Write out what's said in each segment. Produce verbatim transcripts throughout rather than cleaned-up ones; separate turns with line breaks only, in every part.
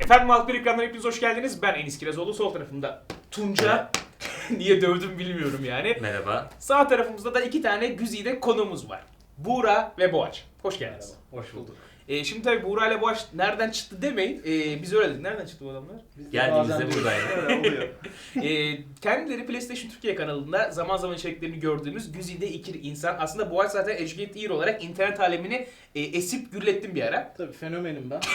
Efendim Halk ekranlarına hepiniz hoş geldiniz. Ben Enis Kirazoğlu. Sol tarafımda Tunca. Niye dövdüm bilmiyorum yani.
Merhaba.
Sağ tarafımızda da iki tane güzide konuğumuz var. Buğra ve Boğaç. Hoş geldiniz.
Merhaba, hoş bulduk.
Ee, şimdi tabii Buğra ile Boğaç nereden çıktı demeyin. Ee, biz öyle dedik. Nereden çıktı bu adamlar?
Biz de
Geldiğimizde
bazen
buradaydı.
Öyle oluyor.
Ee, kendileri PlayStation Türkiye kanalında zaman zaman içeriklerini gördüğümüz güzide iki insan. Aslında Boğaç zaten Educate Ear olarak internet alemini e, esip gürlettim bir ara.
Tabii fenomenim ben.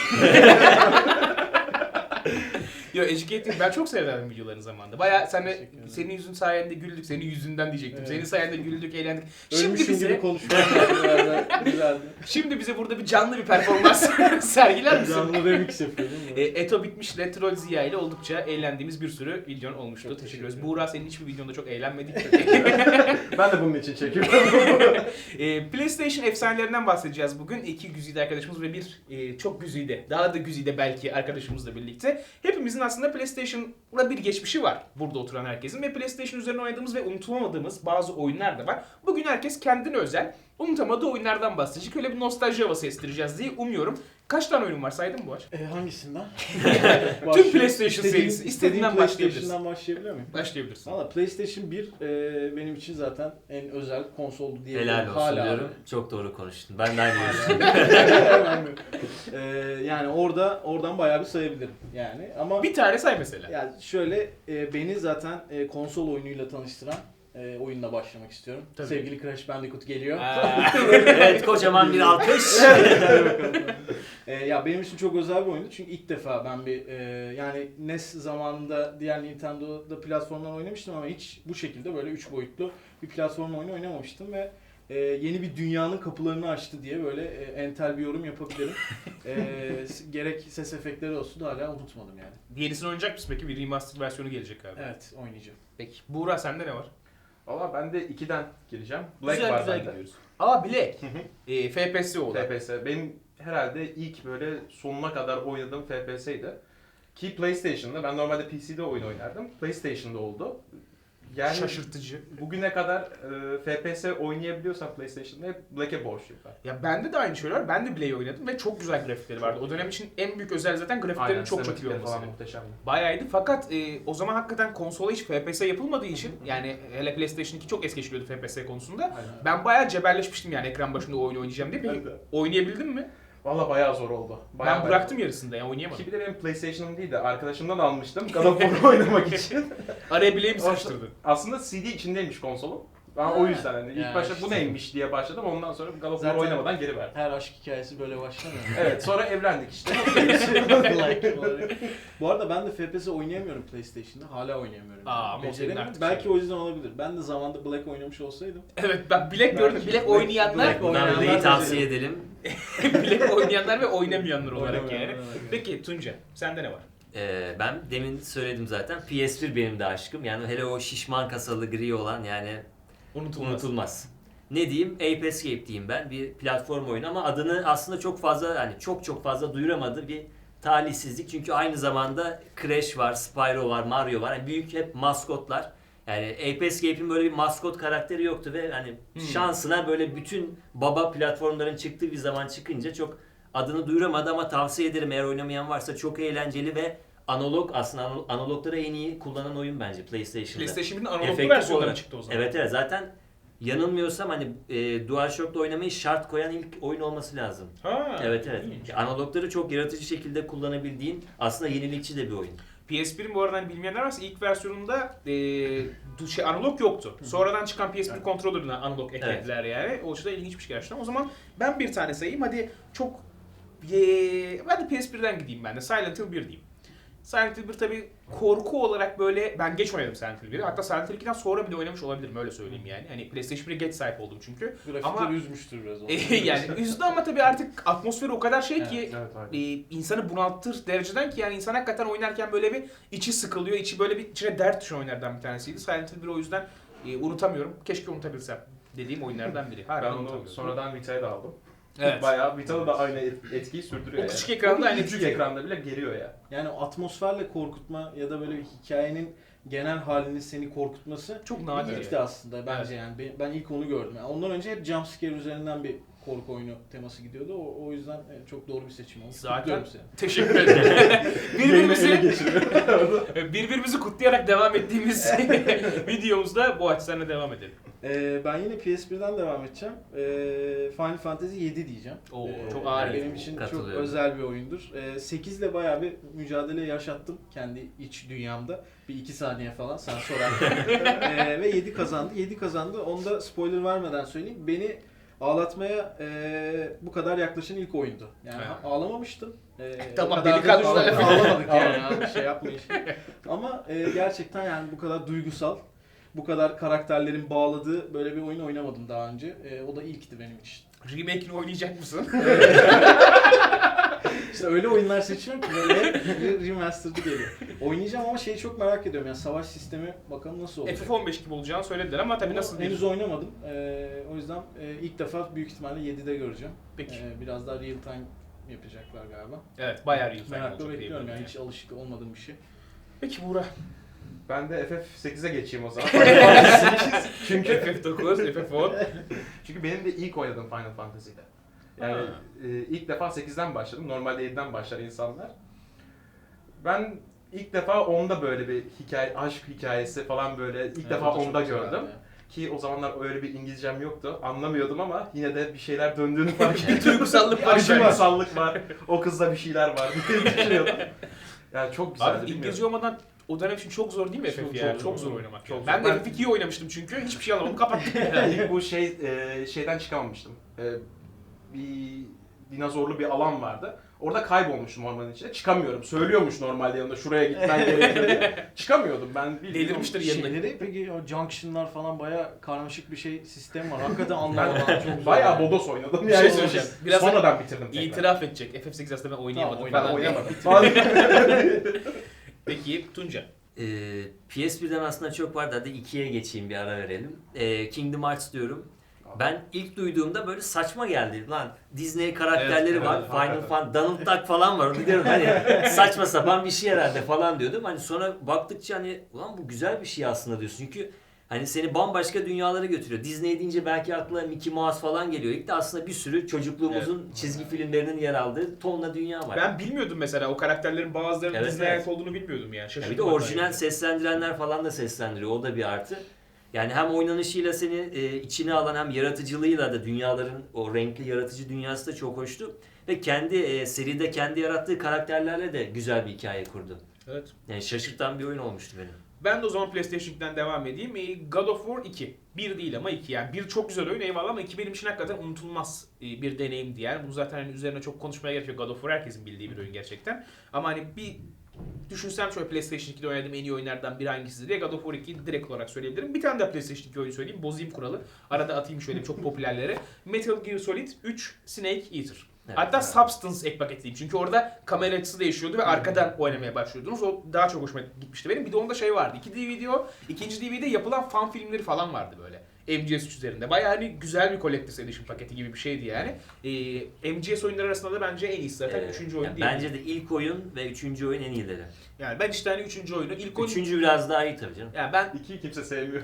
Yo Educate Ear ben çok severdim videolarını zamanında. Bayağı sen de,
Teşekkür ederim.
senin yüzün sayende güldük. Senin yüzünden diyecektim.
Evet.
Senin sayende güldük, eğlendik. Şimdi
Ölmüşüm
bize
gibi konuşmalar biraz güzeldi.
şimdi bize burada bir canlı bir performans sergiler misin?
Canlı remix yapıyordum.
E, Eto bitmiş ile Troll Ziya ile oldukça eğlendiğimiz bir sürü videon olmuştu.
Çok
Teşekkür
teşekkür
ederiz.
ederim.
Buğra senin hiçbir videonda çok eğlenmedik.
Ben de bunun için çekiyorum.
e, PlayStation efsanelerinden bahsedeceğiz bugün. İki güzide arkadaşımız ve bir e, çok güzide, daha da güzide belki arkadaşımızla birlikte. Hepimizin aslında PlayStation'la bir geçmişi var burada oturan herkesin ve PlayStation üzerine oynadığımız ve unutamadığımız bazı oyunlar da var. Bugün herkes kendine özel, unutamadığı oyunlardan bahsedecek. Öyle bir nostalji havası estireceğiz diye umuyorum. Kaç tane oyun var saydın mı bu aç?
e, hangisinden?
Tüm PlayStation
İstediğin-
serisi.
istediğin
İstediğinden başlayabiliriz.
PlayStation'dan başlayabiliyor muyum?
Başlayabilirsin.
Valla PlayStation bir e, benim için zaten en özel konsoldu diye.
Helal olsun
Hala
diyorum. Çok doğru konuştun. Ben de aynı görüştüm.
e, yani orada oradan bayağı bir sayabilirim yani ama
Bir tane say mesela.
yani şöyle e, beni zaten e, konsol oyunuyla tanıştıran e, oyunla başlamak istiyorum.
Tabii.
Sevgili Crash Bandicoot geliyor.
Aa,
Evet, kocaman bir alkış.
Hadi bakalım. E, ya benim için çok özel bir oyundu çünkü ilk defa ben bir e, yani N E S zamanında diğer Nintendo'da platformdan oynamıştım ama hiç bu şekilde böyle üç boyutlu bir platform oyunu oynamamıştım ve e, yeni bir dünyanın kapılarını açtı diye böyle e, entel bir yorum yapabilirim. e, gerek ses efektleri olsun da hala unutmadım yani.
Yenisini oynayacak mısın peki? Bir remastered versiyonu gelecek galiba.
Evet, oynayacağım.
Peki. Buğra sende ne var?
Valla ben de ikiden gireceğim. Black
güzel
var
güzel
bende.
gidiyoruz. Aa Black. e, F P S olan.
F P S. Benim herhalde ilk böyle sonuna kadar oynadığım F P S'ydi. Ki PlayStation'da. Ben normalde P C'de oyun oynardım. PlayStation'da oldu. Yani
Şaşırtıcı.
bugüne kadar e, F P S oynayabiliyorsam PlayStation'da hep Black'e borçluyum ben.
Ya bende de aynı şeyler var. Ben de Black'i oynadım ve çok güzel grafikleri vardı. O dönem için en büyük özel zaten grafiklerin
Aynen,
çok çok iyi
sinematikleri falan
olması.
muhteşemdi.
Bayağıydı fakat e, o zaman hakikaten konsola hiç F P S yapılmadığı için yani hele PlayStation iki çok es geçiliyordu F P S konusunda.
Aynen.
Ben bayağı cebelleşmiştim yani ekran başında oyun oynayacağım diye. Peki
Ben de.
oynayabildin mi?
Valla bayağı zor oldu. Bayağı
Ben bıraktım yarısında ya oynayamadım.
Ki bir de benim PlayStation'ım değil de arkadaşımdan almıştım. God of War oynamak için.
Araya bileğimi sıkıştırdı.
Aslında C D içindeymiş konsolum. Ben
Ha.
o yüzden hani ilk
Ya
başta
işte.
bu neymiş diye başladım. Ondan sonra God of War
Zaten-
oynamadan geri verdim.
Her aşk hikayesi böyle başlamıyor.
Evet, sonra evlendik işte.
Like olarak. Bu arada ben de F P S oynayamıyorum PlayStation'da. Hala oynayamıyorum.
Aa, ama o senin
Beceremiyorum.
artık
Belki
şey.
o yüzden olabilir. Ben de zamanında Black oynamış olsaydım.
Evet ben Black gördüm. Black
Black-
oynayanlar,
Black
Buradan
oynayanlar
Black'i
da
tavsiye
izledim.
edelim.
Black oynayanlar ve oynamayanlar olarak
Oynamayanlar,
yani.
evet.
Peki Tunca sende ne var?
Ee, ben demin söyledim zaten. P S bir benim de aşkım. Yani hele o şişman kasalı gri olan yani
Unutulmaz.
unutulmaz. Ne diyeyim? Ape Escape diyeyim ben. Bir platform oyunu ama adını aslında çok fazla yani çok çok fazla duyuramadı bir talihsizlik. Çünkü aynı zamanda Crash var, Spyro var, Mario var. Yani büyük hep maskotlar. Yani Ape Escape'in böyle bir maskot karakteri yoktu ve hani
Hmm.
şansına böyle bütün baba platformların çıktığı bir zaman çıkınca çok adını duyuramadı ama tavsiye ederim eğer oynamayan varsa çok eğlenceli ve analog aslında anal- analogları en iyi kullanan oyun bence PlayStation'da.
PlayStation bir'in analoglu
Efektif
versiyonları
olarak.
çıktı o zaman.
Evet evet zaten yanılmıyorsam hani e, DualShock'la oynamayı şart koyan ilk oyun olması lazım.
Ha,
evet evet.
ilginç.
Analogları çok yaratıcı şekilde kullanabildiğin aslında yenilikçi de bir oyun.
P S bir'in bu arada hani bilmeyenler varsa ilk versiyonunda e, du- şey, analog yoktu. Sonradan çıkan P S bir
Evet.
controller'ına analog eklediler yani. O açıdan ilginçmiş gerçekten. O zaman ben bir tane sayayım. Hadi çok... E, hadi P S bir'den gideyim ben de. Silent Hill bir diyeyim. Silent Hill bir tabii korku olarak böyle... Ben geç oynadım Silent Hill bir'i. Hatta Silent Hill ikiden sonra bile oynamış olabilirim öyle söyleyeyim yani. Hani PlayStation bir'e geç sahip oldum çünkü.
Grafikler
Ama-
üzmüştür biraz. onu.
yani üzdü ama tabii artık atmosferi o kadar şey
Evet,
ki...
Evet, aynen.
e, insanı bunaltır dereceden ki yani insan hakikaten oynarken böyle bir içi sıkılıyor, içi böyle bir içine dert düşen oyunlardan bir tanesiydi. Silent Hill bir o yüzden e, unutamıyorum. Keşke unutabilsem dediğim oyunlardan biri. Hala
Ben onu
unutamıyorum.
sonradan Vita'ya da aldım.
Evet.
Bayağı Vita'da da aynı et- etkiyi sürdürüyor.
O küçük
yani.
ekranda
O
aynı
küçük
etki.
ekranda bile geliyor ya.
Yani o atmosferle korkutma ya da böyle bir hikayenin genel halini seni korkutması
Çok
bir
nadir.
ilkti aslında bence yani. Ben- Ben ilk onu gördüm. Yani ondan önce hep jumpscare üzerinden bir korku oyunu teması gidiyordu. O, o yüzden e, çok doğru bir seçim oldu.
Zaten
Kutluyorum seni.
teşekkür ederim. birbirimizi,
Yayını ele geçiriyor.
birbirimizi kutlayarak devam ettiğimiz videomuzda bu açıdan devam edelim.
Ee, ben yine P S birden devam edeceğim. Ee, Final Fantasy yedi diyeceğim.
Oo,
Ee,
çok ağır.
Benim için çok
Katılıyorum.
özel bir oyundur. Ee, sekiz ile bayağı bir mücadele yaşattım kendi iç dünyamda. Bir iki saniye falan sen sorarken. ee, ve yedi kazandı. yedi kazandı. Onda spoiler vermeden söyleyeyim. Beni ağlatmaya e, bu kadar yaklaşan ilk oyundu. Yani
Evet.
ağlamamıştım. Ee,
Tamam,
o kadar da
delikanlı
ağla-
laf.
ağlamadık yani abi, şey yapmayın. Ama e, gerçekten yani bu kadar duygusal, bu kadar karakterlerin bağladığı böyle bir oyun oynamadım daha önce. E, o da ilkti benim için.
Remake'ini oynayacak mısın?
İşte öyle oyunlar seçiyorum ki böyle bir remastered'ı geliyor. Oynayacağım ama şeyi çok merak ediyorum yani savaş sistemi bakalım nasıl olacak.
F F on beş gibi olacağını söylediler ama tabii
Ama
nasıl
henüz
bir...
oynamadım. E, o yüzden e, ilk defa büyük ihtimalle yedide göreceğim.
Peki.
E, biraz daha real time yapacaklar galiba.
Evet, bayağı real time
Merakla
olacak
bekliyorum
diyebilirim
yani hiç alışık olmadığım bir şey.
Peki Buğra.
Ben de F F sekize geçeyim o zaman. çünkü
F F dokuz, F F on.
çünkü benim de ilk oynadığım Final Fantasy'de. Yani
Ha.
e, ilk defa sekizden başladım. Normalde yediden başlar insanlar. Ben ilk defa onda böyle bir hikaye, aşk hikayesi falan böyle ilk
Evet,
defa
o da çok
onda
güzel
gördüm.
yani.
Ki o zamanlar öyle bir İngilizcem yoktu. Anlamıyordum ama yine de bir şeyler döndüğünü fark
Bir
ettim.
duygusallık
Bir
var.
aşırı
yani.
duygusallık var. O kızda bir şeyler var diye düşünüyordum. Yani çok güzeldi.
Abi İngilizce olmadan o dönem için çok zor değil mi F F
Çok
ya?
zor.
Çok zor oynamak.
Çok
ben
zor.
de
Ben-
F F ikiyi oynamıştım çünkü hiçbir şey alamadım kapattım.
Yani ilk bu şey e, şeyden çıkamamıştım. E, bir dinozorlu bir alan vardı. Orada kaybolmuştum ormanın içinde. Çıkamıyorum. Söylüyormuş normalde yanında şuraya gitmen gerekiyor diye. Çıkamıyordum ben. bildiğin
Delirmiştir
o
yanına.
Şeyleri peki o junction'lar falan bayağı karmaşık bir şey sistem var. Hakikaten anlamadım.
Ben
Çok zor
bayağı
yani.
bodos oynadım.
Bir şey
Yani
söyleyeceğim. Biraz
sonradan bitirdim tekrar.
İtiraf edecek. F F sekiz aslında ben oynayamadım
Tamam,
Ben
falan. diye.
oynamadım.
Peki Tunca.
Ee, P S birden aslında çok vardı. Hadi ikiye geçeyim, bir ara verelim. Ee, Kingdom Hearts diyorum. Ben ilk duyduğumda böyle saçma geldi. Lan Disney karakterleri
Evet,
var.
evet,
Final
hakikaten.
Fan, Donald Duck falan var. Onu diyorum hani saçma sapan bir şey herhalde falan diyordum. Hani sonra baktıkça hani ulan bu güzel bir şey aslında diyorsun. Çünkü hani seni bambaşka dünyalara götürüyor. Disney deyince belki aklına Mickey Mouse falan geliyor. İlk de aslında bir sürü çocukluğumuzun çizgi filmlerinin yer aldığı tonla dünya var.
Ben bilmiyordum mesela o karakterlerin bazılarının
Evet,
Disney'e
evet.
ait olduğunu bilmiyordum yani.
Ya
Şaşırdım.
bir de
hatta
orijinal
yani.
seslendirenler falan da seslendiriyor. O da bir artı. Yani hem oynanışıyla seni e, içine alan hem yaratıcılığıyla da dünyaların o renkli yaratıcı dünyası da çok hoştu. Ve kendi e, seride kendi yarattığı karakterlerle de güzel bir hikaye kurdu.
Evet.
Yani şaşırtan bir oyun olmuştu benim.
Ben de o zaman PlayStation ikiden devam edeyim. Ee, God of War iki. Bir değil ama iki yani. Bir çok güzel oyun eyvallah ama iki benim için hakikaten unutulmaz e, bir deneyimdi yani. Bunu zaten hani üzerine çok konuşmaya gerek yok. God of War herkesin bildiği bir oyun gerçekten. Ama hani bir düşünsem şöyle PlayStation ikide oynadığım en iyi oyunlardan biri hangisidir diye God of War ikiyi direkt olarak söyleyebilirim. Bir tane daha PlayStation iki oyun söyleyeyim. Bozayım kuralı. Arada atayım şöyle çok popülerleri. Metal Gear Solid üç Snake Eater.
Evet,
Hatta
evet.
Substance ek paketliyim. Çünkü orada kamera açısı değişiyordu ve arkadan oynamaya başlıyordunuz. O daha çok hoşuma gitmişti benim. Bir de onda şey vardı. İki D V D o. İkinci D V D'de yapılan fan filmleri falan vardı böyle. M G S üç üzerinde. Bayağı hani güzel bir Collector's Edition paketi gibi bir şeydi yani. Ee, M G S oyunları arasında da bence en iyisi zaten.
Ee,
Üçüncü oyun
yani
değil.
bence de ilk oyun ve üçüncü oyun en iyileri.
Yani ben işte hani üçüncü oyunu. ilk oyun...
Üçüncü biraz daha iyi tabii canım.
Yani ben...
İkiyi kimse sevmiyor.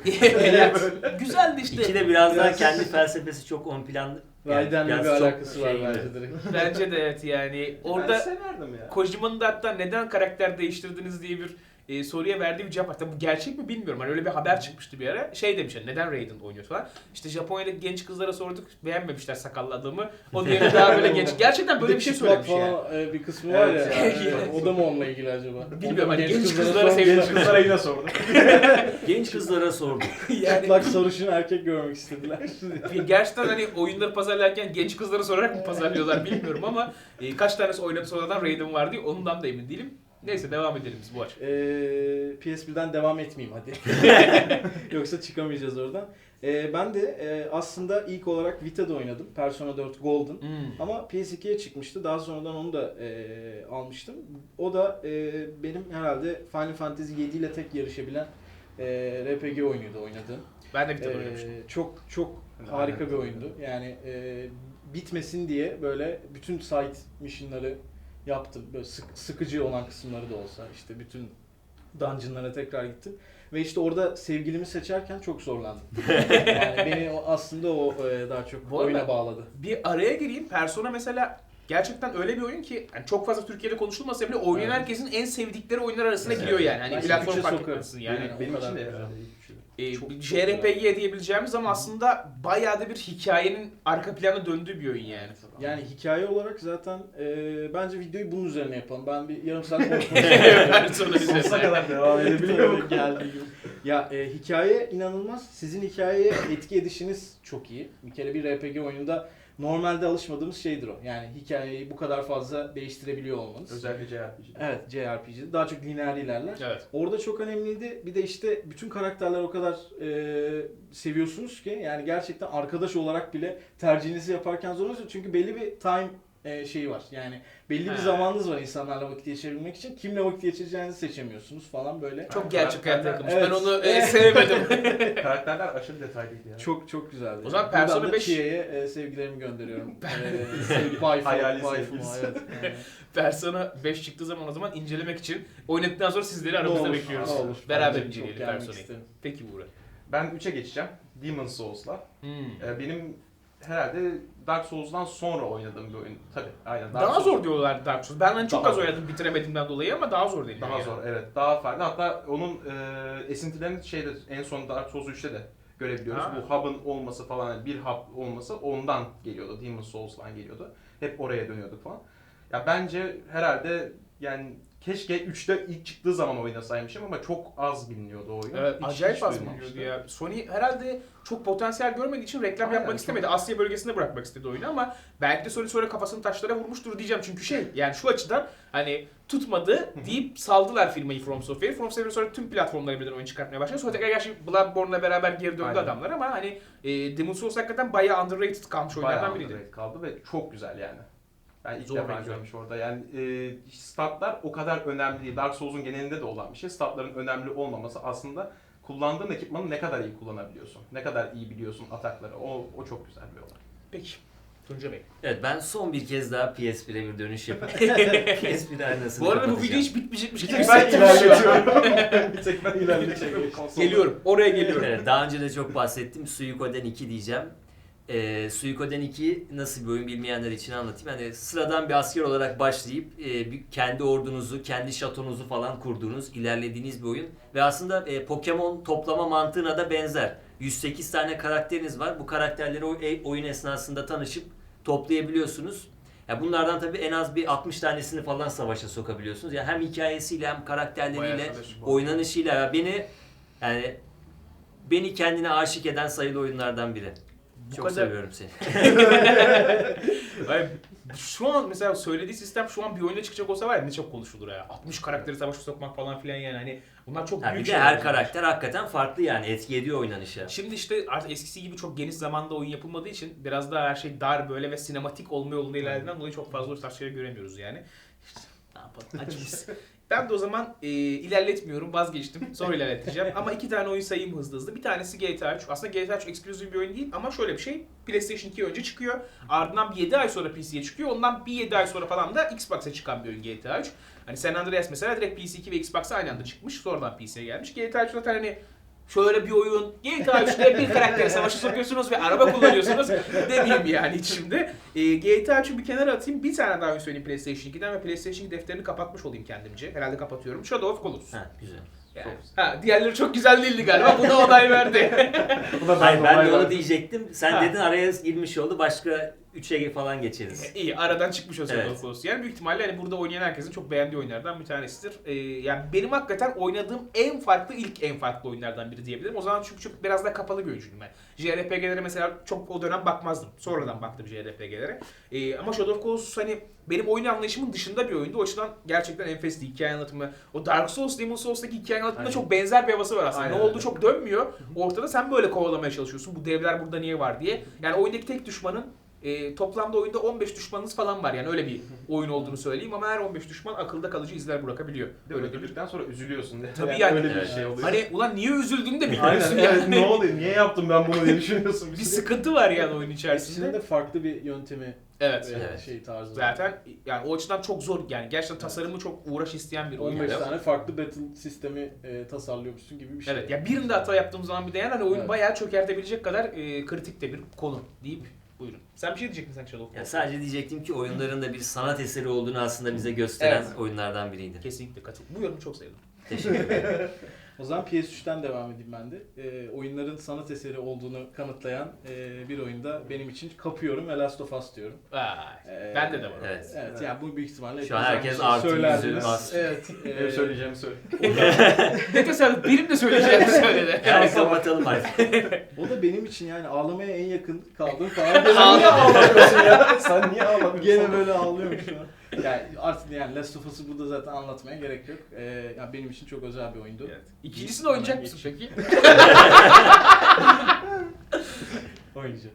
Yani güzeldi işte.
İki de biraz daha
Biraz-
kendi felsefesi çok ön planda.
Raiden'le
biraz
bir
çok
alakası var
şey gibi.
bence direkt.
Bence de evet yani. Orada...
Ben severdim ya.
Kojima'nın da hatta neden karakter değiştirdiniz diye bir e, soruya verdiği bir cevap var. Tabii bu gerçek mi bilmiyorum. Hani öyle bir haber çıkmıştı bir ara. Şey demişler, neden Raiden oynuyor falan. İşte Japonya'daki genç kızlara sorduk, beğenmemişler sakallı adamı. O diğeri daha böyle genç. Gerçekten böyle bir şey
çıplak
söylemiş yani.
falan e, bir kısmı var
Evet,
ya.
yani.
yani o da mı onunla ilgili acaba?
Bilmiyorum, hani genç
kızlara
kızlara
son-
sevdiğim
Genç kızlara yine sordum.
Genç kızlara sorduk.
Yani
Çıplak sarışın erkek görmek istediler.
gerçekten hani oyunları pazarlarken genç kızlara sorarak mı pazarlıyorlar bilmiyorum ama e, kaç tanesi oynadı sonradan Raiden var diye ondan da emin değilim. Neyse devam edelim biz bu aç.
Ee, P S birden devam etmeyeyim hadi. Yoksa çıkamayacağız oradan. Ee, ben de e, aslında ilk olarak Vita'da oynadım. Persona dört Golden.
Hmm.
Ama P S ikiye çıkmıştı. Daha sonradan onu da e, almıştım. O da e, benim herhalde Final Fantasy yedi ile tek yarışabilen e, R P G oyunuydu oynadığım.
Ben de bir tane
Ee,
oynamıştım.
çok çok harika bir oyundu. Yani e, bitmesin diye böyle bütün side mission'ları yaptım. Böyle sık, sıkıcı olan kısımları da olsa işte bütün dungeonlara tekrar gittim. Ve işte orada sevgilimi seçerken çok zorlandım. Yani beni o, aslında o e, daha çok
Bu arada-
oyuna bağladı.
Bir araya gireyim. Persona mesela gerçekten öyle bir oyun ki yani çok fazla Türkiye'de konuşulmasa bile oynayan
Evet.
herkesin en sevdikleri oyunlar arasına
Evet.
giriyor yani. Hani
Ben
platform
ilk üçe
fark
sokarım.
etmesin yani.
Benim-
Benim
o kadar
için de
güzel.
herhalde ilk üçü.
Ee,
Çok- çok
J R P G diyebileceğimiz ama aslında bayağı da bir hikayenin arka planda döndüğü bir oyun yani.
Yani hikaye olarak zaten e, bence videoyu bunun üzerine yapalım. Ben bir yarım saat konuşmak
Persona
istiyorum.
üzerine.
kadar devam edebiliyor mu?
Geldiği gibi. Ya e, hikaye inanılmaz. Sizin hikayeye etki edişiniz çok iyi. Bir kere bir R P G oyununda normalde alışmadığımız şeydir o. Yani hikayeyi bu kadar fazla değiştirebiliyor olmanız.
Özellikle J R P G'de.
Evet, J R P G'de daha çok lineer ilerler.
Evet.
Orada çok önemliydi. Bir de işte bütün karakterler o kadar e, seviyorsunuz ki yani gerçekten arkadaş olarak bile tercihinizi yaparken zorlanıyorsunuz. Çünkü belli bir time e, şeyi var. Yani belli bir
Ha.
zamanınız var insanlarla vakit geçirebilmek için. Kimle vakit geçireceğinizi seçemiyorsunuz falan böyle.
Çok gerçek hayata yakınmış.
Evet.
Ben onu e, sevmedim.
Karakterler aşırı detaylıydı ya.
Çok çok güzeldi.
O zaman
Buradan
Persona
da
beş
Chia'ya e, sevgilerimi gönderiyorum. e, sevgi, waifu,
Hayali
waifu,
sevgilisi.
evet. Yani.
Persona beş çıktığı zaman o zaman incelemek için oynadıktan sonra sizleri
Ne
aramızda
olur,
bekliyoruz.
ne olur.
Beraber
Bence çok
inceleyelim
gelmek
Persona'yı.
isterim.
Peki Buğra.
Ben üçe geçeceğim. Demon's Souls'la.
Hmm.
Ee, benim herhalde Dark Souls'dan sonra oynadığım bir oyun. Tabii aynen. Dark
Daha
Souls-
zor diyorlar Dark Souls. Ben hani çok
Daha
az
zor.
oynadım bitiremediğimden dolayı ama daha zor değil.
Daha
yani.
zor evet. Daha farklı. Hatta onun e, esintilerini şeyde en son Dark Souls üçte de görebiliyoruz.
Ha.
Bu hub'ın olması falan yani bir hub olması ondan geliyordu. Demon's Souls'dan geliyordu. Hep oraya dönüyorduk falan. Ya bence herhalde yani keşke üçte ilk çıktığı zaman oynasaymışım ama çok az biliniyordu o oyun.
Evet,
Hiç-
acayip
hiç
az
duymamıştım.
biliniyordu ya. Sony herhalde çok potansiyel görmediği için reklam
Aynen,
yapmak
çok-
istemedi. Asya bölgesinde bırakmak istedi oyunu ama belki de Sony sonra kafasını taşlara vurmuştur diyeceğim. Çünkü şey yani şu açıdan hani tutmadı deyip saldılar firmayı From Software. From Software sonra tüm platformlara birden oyun çıkartmaya başladı. Sonra tekrar gerçi Bloodborne'la beraber geri döndü
Aynen.
adamlar ama hani e, Demon's Souls hakikaten bayağı underrated kalmış oyunlardan
Bayağı
biriydi.
underrated kaldı ve çok güzel yani. Ben ilk
Zor
defa
ve güzel.
görmüş orada. Yani e, statlar o kadar önemli değil. Dark Souls'un genelinde de olan bir şey. Statların önemli olmaması aslında kullandığın ekipmanı ne kadar iyi kullanabiliyorsun. Ne kadar iyi biliyorsun atakları. O, o çok güzel bir olay.
Peki. Tunca Bey.
Evet ben son bir kez daha P S bire bir dönüş yapıp P S bir aynasını
Bu arada bu
kapatacağım.
video hiç bitmeyecekmiş
Bir
gibi
tek ben
hissettim şu an.
ilerletiyorum. bir tek ben ilerletiyorum. Konsolda.
Geliyorum. Oraya geliyorum.
Evet, daha önce de çok bahsettim. Suikoden iki diyeceğim. Ee, Suikoden iki nasıl bir oyun bilmeyenler için anlatayım. Hani sıradan bir asker olarak başlayıp e, bir- kendi ordunuzu, kendi şatonuzu falan kurduğunuz, ilerlediğiniz bir oyun. Ve aslında e, Pokemon toplama mantığına da benzer. yüz sekiz tane karakteriniz var. Bu karakterleri o e, oyun esnasında tanışıp toplayabiliyorsunuz. Ya bunlardan tabii en az bir altmış tanesini falan savaşa sokabiliyorsunuz. Yani hem hikayesiyle hem
Bayağı
karakterleriyle,
savaş.
oynanışıyla ya beni yani beni kendine aşık eden sayılı oyunlardan biri.
Bu
Çok
kadar-
seviyorum seni.
Ay, şu an mesela söylediği sistem şu an bir oyunda çıkacak olsa var ya ne çok konuşulur ya. altmış karakteri savaşa sokmak falan filan yani hani bunlar çok
Ha,
büyük
bir de
şeyler.
her karakter hakikaten farklı yani etki ediyor oynanışa.
Şimdi işte artık eskisi gibi çok geniş zamanda oyun yapılmadığı için biraz daha her şey dar böyle ve sinematik olma yolunda ilerlediğinden dolayı çok fazla o tarz şeyleri göremiyoruz yani. İşte ne yapalım acımız. Ben de o zaman e, ilerletmiyorum vazgeçtim. Sonra ilerleteceğim. Ama iki tane oyun sayayım hızlı hızlı. Bir tanesi G T A üç. Aslında G T A üç eksklusif bir oyun değil ama şöyle bir şey. PlayStation iki önce çıkıyor. Ardından bir yedi ay sonra P C'ye çıkıyor. Ondan bir yedi ay sonra falan da Xbox'a çıkan bir oyun G T A üç. Hani San Andreas mesela direkt P C iki ve Xbox'a aynı anda çıkmış. Sonradan P C'ye gelmiş. G T A üç zaten hani şöyle bir oyun. G T A üçte bir karaktere savaşı sokuyorsunuz ve araba kullanıyorsunuz. Demeyeyim yani hiç şimdi. E, G T A üçü bir kenara atayım. Bir tane daha oyun söyleyeyim PlayStation ikiden ve PlayStation iki defterini kapatmış olayım kendimce. Herhalde kapatıyorum. Shadow of Colossus.
Ha, güzel.
Yani. Ha, diğerleri çok güzel değildi galiba. Buna onay verdi.
Bu da
Hayır ben de
onay
onu
verdim.
diyecektim. Sen
Ha.
dedin araya girmiş oldu. Başka üçe falan geçeriz.
İyi, aradan çıkmış o Shadow
Evet.
of Colossus. Yani büyük ihtimalle hani burada oynayan herkesin çok beğendiği oyunlardan bir tanesidir. Ee, yani benim hakikaten oynadığım en farklı, ilk en farklı oyunlardan biri diyebilirim. O zaman çünkü çok biraz daha kapalı bir oyuncuydum ben. J R P G'lere mesela çok o dönem bakmazdım. Sonradan baktım J R P G'lere. Ee, ama Shadow of Colossus hani benim oyun anlayışımın dışında bir oyundu. O açıdan gerçekten enfesti hikaye anlatımı. O Dark Souls, Demon Souls'taki hikaye anlatımında
Aynen.
çok benzer bir havası var aslında.
Aynen
Ne oldu
öyle.
çok dönmüyor. Ortada sen böyle kovalamaya çalışıyorsun. Bu devler burada niye var diye. Yani oyundaki tek düşmanın e, toplamda oyunda on beş düşmanınız falan var. Yani öyle bir oyun olduğunu söyleyeyim ama her on beş düşman akılda kalıcı izler bırakabiliyor.
Bir de
Öyle bir
öldürdükten sonra üzülüyorsun.
Tabii yani.
Öyle bir
Evet.
şey oluyor.
Hani ulan niye üzüldüğünü de
Aynen
bilmiyorsun
evet,
yani.
ne oluyor? Niye yaptım ben bunu diye düşünüyorsun.
Bir sıkıntı var yani oyun
İkisinin
içerisinde.
de farklı bir yöntemi
Evet.
e,
Evet.
şey tarzı.
Zaten yani o açıdan çok zor yani gerçekten tasarımı çok uğraş isteyen bir oyun.
on beş
Evet.
tane farklı battle sistemi e, tasarlıyormuşsun gibi bir şey.
Evet ya birinde hata yaptığım zaman bir de yani hani oyun
Evet.
bayağı çökertebilecek kadar e, kritik de bir konu deyip buyurun. Sen bir şey diyecektin sen Shadow
Ya
of
sadece diyecektim ki oyunların da bir sanat eseri olduğunu aslında bize gösteren
Evet.
oyunlardan biriydi.
Kesinlikle katıl. Bu yorumu çok sevdim.
Teşekkür ederim.
O zaman P S üçten devam edeyim ben de. E, oyunların sanat eseri olduğunu kanıtlayan e, bir oyunda benim için kapıyorum ve Last of Us diyorum.
Vay.
E,
Bende de var.
Evet.
Evet, yani bu büyük ihtimalle
Şu an
hepiniz
herkes
aynı
artı
şeyi
yüzü
söylerdiniz.
bas.
Evet. e,
Benim söyleyeceğimi söyle.
Ne tesadüf benim de söyleyeceğimi söyledi.
Yani kapatalım artık.
O da benim için yani ağlamaya en yakın kaldığım falan.
Sen niye ağlamıyorsun ya? Sen niye ağlamıyorsun?
Gene böyle ağlıyorum şu an. Yani artık yani Last of Us'ı burada zaten anlatmaya gerek yok. Ee, yani benim için çok özel bir oyundu.
Evet. İkincisini oynayacak mısın peki?
Oynayacağım.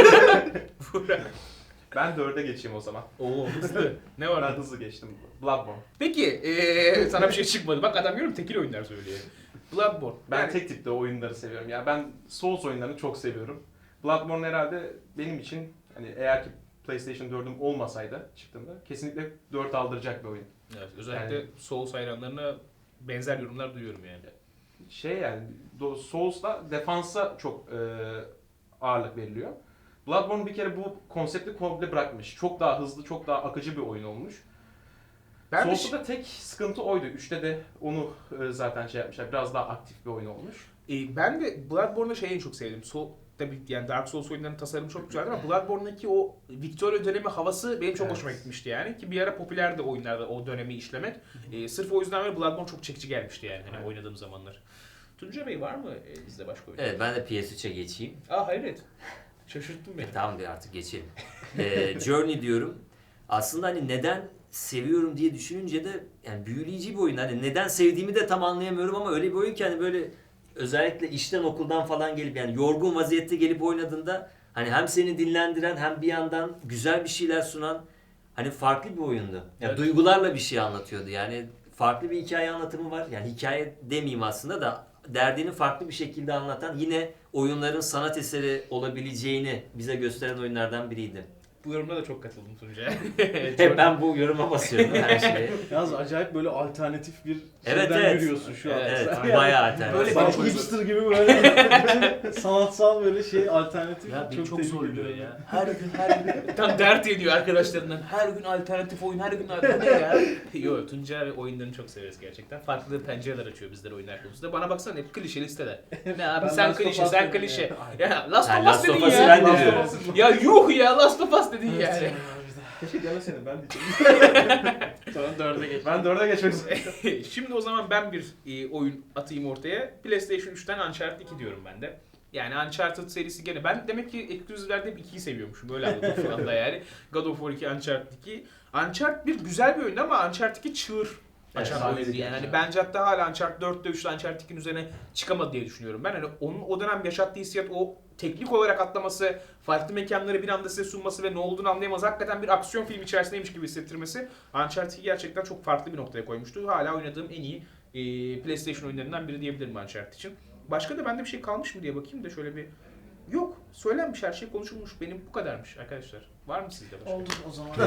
Ben dörde geçeyim o zaman.
Oo hızlı. Ne var?
Ben hızlı geçtim. Bloodborne.
Peki eee sana bir şey çıkmadı. Bak adam diyorum tekil oyunlar söylüyor. Bloodborne.
Ben
Yani-
tek tipte oyunları seviyorum. Yani ben Souls oyunlarını çok seviyorum. Bloodborne herhalde benim için hani eğer ki PlayStation dördüm olmasaydı çıktığında kesinlikle dört aldıracak bir oyun.
Evet, özellikle
Yani-
Souls hayranlarına benzer yorumlar duyuyorum yani.
Şey yani do- Souls'ta defansa çok e, ağırlık veriliyor. Bloodborne bir kere bu konsepti komple bırakmış. Çok daha hızlı, çok daha akıcı bir oyun olmuş.
Ben de
Souls'ta da tek sıkıntı oydu. üçte de onu e, zaten şey yapmışlar. Biraz daha aktif bir oyun olmuş.
E, ben de Bloodborne'da şeyi en çok sevdim. So, tabii yani Dark Souls oyunlarının tasarımı çok güzeldi ama Bloodborne'daki o Victoria dönemi havası benim çok
Evet.
hoşuma gitmişti yani. Ki bir ara popülerdi oyunlarda o dönemi işlemek. E, sırf o yüzden böyle Bloodborne çok çekici gelmişti yani hani
Evet.
oynadığım zamanlar. Tuncay Bey var mı e, bizde başka oyun?
Evet ben de P S üçe geçeyim.
Aa hayret. Şaşırttın beni.
E, tamam bir artık geçelim. Ee, Journey diyorum. Aslında hani neden seviyorum diye düşününce de yani büyüleyici bir oyun. Hani neden sevdiğimi de tam anlayamıyorum ama öyle bir oyun ki hani böyle özellikle işten okuldan falan gelip yani yorgun vaziyette gelip oynadığında hani hem seni dinlendiren hem bir yandan güzel bir şeyler sunan hani farklı bir oyundu. Yani
Evet.
duygularla bir şey anlatıyordu. Yani farklı bir hikaye anlatımı var. Yani hikaye demeyeyim aslında da derdini farklı bir şekilde anlatan yine oyunların sanat eseri olabileceğini bize gösteren oyunlardan biriydi.
Bu yorumda da çok katıldım Tuncay.
Hep ben bu yoruma basıyorum her şeye.
Yalnız acayip böyle alternatif bir
Evet,
şeyden
evet.
yürüyorsun şu an.
Evet,
Sen yani
bayağı alternatif.
Böyle
sanki
bir-
hipster gibi böyle sanatsal böyle şey alternatif.
Ya beni çok
tebrik
zorluyor
ediyorum.
ya. Her gün her gün. Tam dert ediyor arkadaşlarından. Her gün alternatif oyun, her gün alternatif ne ya? Yo Tuncay oyunlarını çok severiz gerçekten. Farklı pencereler açıyor bizlere oyunlar konusunda. Bana baksana hep klişe listede. Ne abi
Ben
sen
Last of
klişe,
Us
sen
dedim
klişe.
ya.
Ya Last
Ha,
of Us
Last of
dedin
Us'ı
ya.
ben de
Last of
diyorum.
Us'ı-
Ya yuh ya Last of Us dedin yani.
Keşke demeseydin ben diyeceğim.
Sonra dörde geç.
Ben dörde geçmek istiyorum.
Şimdi o zaman ben bir e, oyun atayım ortaya. PlayStation üçten Uncharted iki diyorum ben de. Yani Uncharted serisi gene ben demek ki eksklusivlerde hep ikiyi seviyormuşum. Böyle anladım şu anda yani. God of War iki, Uncharted iki. Uncharted bir güzel bir oyundu ama Uncharted iki çığır açan
Evet,
oyundu
sahnesi
yani. Hani
gerçekten.
bence hatta hala Uncharted dörtte üçte Uncharted ikinin üzerine çıkamadı diye düşünüyorum ben. Hani onun o dönem yaşattığı hissiyat, o teknik olarak atlaması, farklı mekanları bir anda size sunması ve ne olduğunu anlayamaz. Hakikaten bir aksiyon filmi içerisindeymiş gibi hissettirmesi Uncharted iki gerçekten çok farklı bir noktaya koymuştu. Hala oynadığım en iyi e, PlayStation oyunlarından biri diyebilirim Uncharted için. Başka da bende bir şey kalmış mı diye bakayım da şöyle bir... Yok. Söylenmiş, her şey konuşulmuş. Benim bu kadarmış arkadaşlar. Var mı sizde başka?
Oldu o zaman.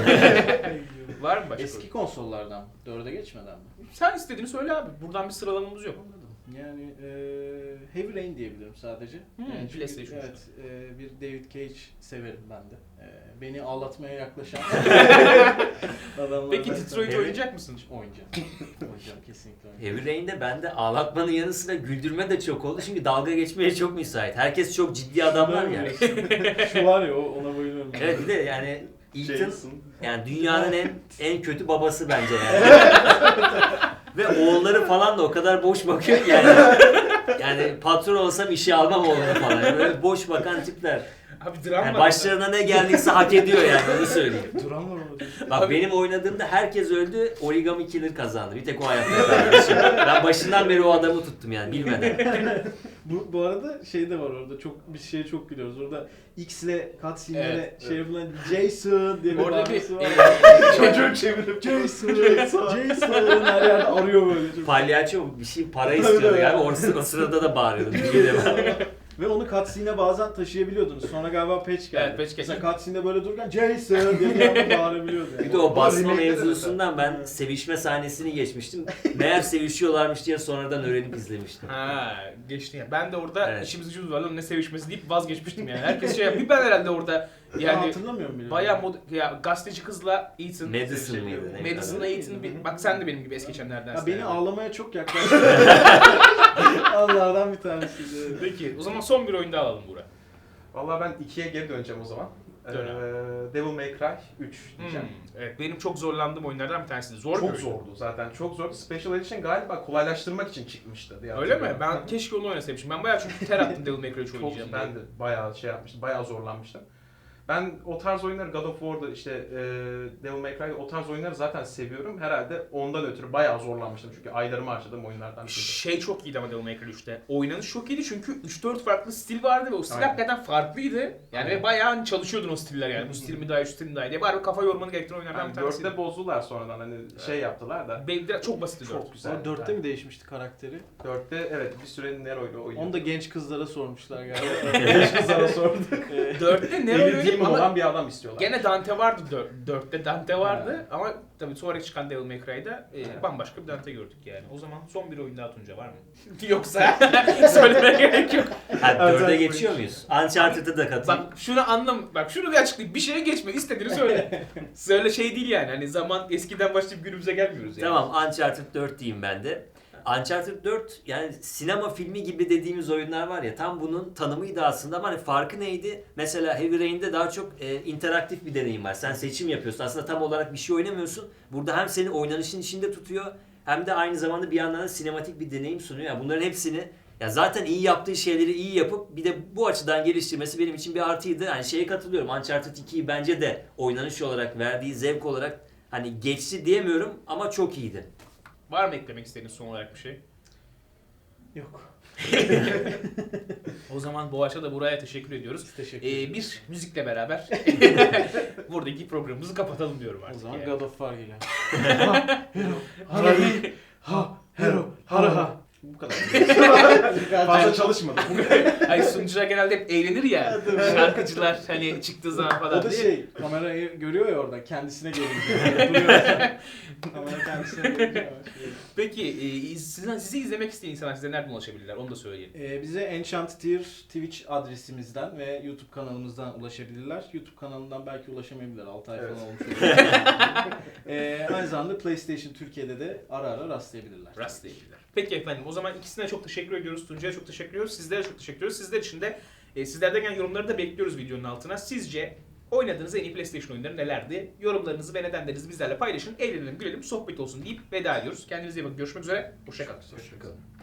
Var mı başka?
Eski konsollardan dörde geçmeden mi?
Sen istediğini söyle abi. Buradan bir sıralamamız yok.
Anladım. Yani e, Heavy Rain diyebilirim sadece.
Hmm,
Yani çünkü,
PlayStation.
Evet, e, bir David Cage severim ben de. E, beni ağlatmaya yaklaşan adamlardan.
Peki Detroit
Evet.
oynayacak mısın?
Oynayacağım. Oynayacağım kesinlikle oynayacağım.
Heavy Rain'de bende ağlatmanın yanı sıra güldürme de çok oldu. Çünkü dalga geçmeye çok müsait. Herkes çok ciddi adamlar ya.
Şu var ya o- ona bayılıyorum. ben.
Evet bir de yani Ethan
Jason.
yani dünyanın en en kötü babası bence yani. Ve oğulları falan da o kadar boş bakıyor ki yani. Yani patron olsam işe almam oğlunu falan. Yani böyle boş bakan tipler.
Abi dram
Yani
var.
başlarına ne geldiyse hak ediyor yani onu söyleyeyim.
Duran var orada.
Bak
Abi-
benim oynadığımda herkes öldü, Origami Killer kazandı. Bir tek o hayatta kaldı. Ben başından beri o adamı tuttum yani bilmeden.
Bu, bu arada şey de var orada çok bir şeye çok gülüyoruz. Orada X ile cutscene'lere
Evet,
şey yapılan Jason diye bir
Orada bir
bağırması var.
e,
Çocuğu çevirip
Jason, Jason her yerde arıyor böyle. Çok.
Palyaço bir şey para istiyordu yani o, o sırada da bağırıyordu. Bir şey de var.
Ve onu cutscene'e bazen taşıyabiliyordunuz. Sonra galiba patch geldi.
Evet, patch geldi.
Mesela cutscene'de böyle dururken Jason diye bir anda bağırabiliyordu. Yani.
Bir de o basma
remake'de de
mevzusundan ben sevişme sahnesini geçmiştim. Meğer sevişiyorlarmış diye sonradan öğrenip izlemiştim.
Ha geçti ya. Ben de orada
Evet.
işimiz gücümüz var lan ne sevişmesi deyip vazgeçmiştim yani. Herkes şey yapıyor. Ben herhalde orada
Yani
yani
hatırlamıyorum bile.
bayağı mod ya gazeteci kızla Ethan.
Madison mıydı? ne?
Madison'la Ethan'ı bir bak sen de benim gibi es geçenlerden.
Ya beni ağlamaya çok yaklaştı. Allah'dan bir tanesiydi.
Peki o zaman son bir oyun daha alalım Burak.
Vallahi ben ikiye geri döneceğim o zaman. Ee,
Dön
Devil May Cry üç
Hmm,
diyeceğim.
evet benim çok zorlandığım oyunlardan bir tanesiydi. Zor bir
Çok
oyun.
zordu zaten. Çok zordu. Special Edition galiba kolaylaştırmak için çıkmıştı diye
Öyle mi?
hatırlıyorum.
Ben keşke onu oynasaymışım. Ben bayağı çünkü ter attım Devil May Cry üç
Çok,
oynayacağım.
ben de bayağı şey yapmıştım. Bayağı zorlanmıştım. Ben o tarz oyunları God of War'da işte e, Devil May Cry'da o tarz oyunları zaten seviyorum. Herhalde ondan ötürü bayağı zorlanmıştım. Çünkü aylarımı harcadığım oyunlardan biriydi.
Şey çok iyiydi ama Devil May Cry üçte. Oynanış çok iyiydi çünkü üç dört farklı stil vardı ve o stil
Aynen.
hakikaten farklıydı. Yani
Aynen.
ve bayağı hani çalışıyordun o stiller yani. Bu stil mi daha iyi, şu stil mi daha iyi diye. Bari kafa yormanı gerektiren oyunlardan
Yani
bir tanesiydi.
dörtte bozdular sonradan hani şey yaptılar da.
Benim biraz çok basitti dört.
Çok güzel.
Sonra dörtte mi değişmişti karakteri?
Dörtte evet bir süre Nero'yla oynuyor.
Onu da genç kızlara sormuşlar galiba.
genç kızlara sorduk.
dörtte ne
Eli
oynuyordu
demon
ama
olan bir adam istiyorlar.
gene Dante vardı dör- dörtte Dante vardı ama tabii sonra çıkan Devil May Cry'da e,
Evet.
bambaşka bir Dante gördük yani. O zaman son bir oyun daha Tunca var mı? Yoksa söylemeye gerek yok.
Ha, dörde
Evet,
geçiyor muyuz? Uncharted'ı da katayım.
Bak şunu anlam, bak şunu bir açıklayayım. Bir şeye geçme, istediğini söyle. Söyle şey değil yani. Hani zaman eskiden başlayıp günümüze gelmiyoruz yani.
Tamam, Uncharted dört diyeyim ben de. Uncharted dört yani sinema filmi gibi dediğimiz oyunlar var ya, tam bunun tanımıydı aslında ama hani farkı neydi? Mesela Heavy Rain'de daha çok e, interaktif bir deneyim var. Sen seçim yapıyorsun. Aslında tam olarak bir şey oynamıyorsun. Burada hem seni oynanışın içinde tutuyor hem de aynı zamanda bir yandan da sinematik bir deneyim sunuyor. Yani bunların hepsini ya zaten iyi yaptığı şeyleri iyi yapıp bir de bu açıdan geliştirmesi benim için bir artıydı. Yani şeye katılıyorum. Uncharted ikiyi bence de oynanış olarak verdiği zevk olarak hani geçti diyemiyorum ama çok iyiydi.
Var mı eklemek istediğiniz son olarak bir şey?
Yok.
O zaman Boğaç'a da buraya teşekkür ediyoruz.
Teşekkür
Ee,
ederim.
bir müzikle beraber buradaki programımızı kapatalım diyorum
O
artık.
zaman
yani.
God of War geliyor. Ha, hero, harahi, ha, hero, haraha.
Bu kadar. Fazla çalışmadım.
Hayır sunucular genelde hep eğlenir ya. Şarkıcılar hani çıktığı zaman falan
O da
diye.
şey, kamerayı görüyor ya orada, kendisine gelince. Duruyor. Kamera kendisine gelince.
Peki e, sizi, sizi izlemek isteyen insanlar size nereden ulaşabilirler? Onu da söyleyelim.
Ee, bize Enchanted Twitch adresimizden ve YouTube kanalımızdan ulaşabilirler. YouTube kanalından belki ulaşamayabilirler. altı ay
Evet.
falan olmuş olabilir. ee, aynı zamanda PlayStation Türkiye'de de ara ara rastlayabilirler.
Rastlayabilirler. Peki efendim o zaman ikisine çok teşekkür ediyoruz. Tuncay'a çok teşekkür ediyoruz. Sizlere çok teşekkür ediyoruz. Sizler için de e, sizlerden gelen yorumları da bekliyoruz videonun altına. Sizce oynadığınız en iyi PlayStation oyunları nelerdi? Yorumlarınızı ve nedenlerinizi bizlerle paylaşın. Eğlenelim, gülelim, sohbet olsun deyip veda ediyoruz. Kendinize iyi bakın. Görüşmek üzere. Hoşça kalın.
Hoşçakalın.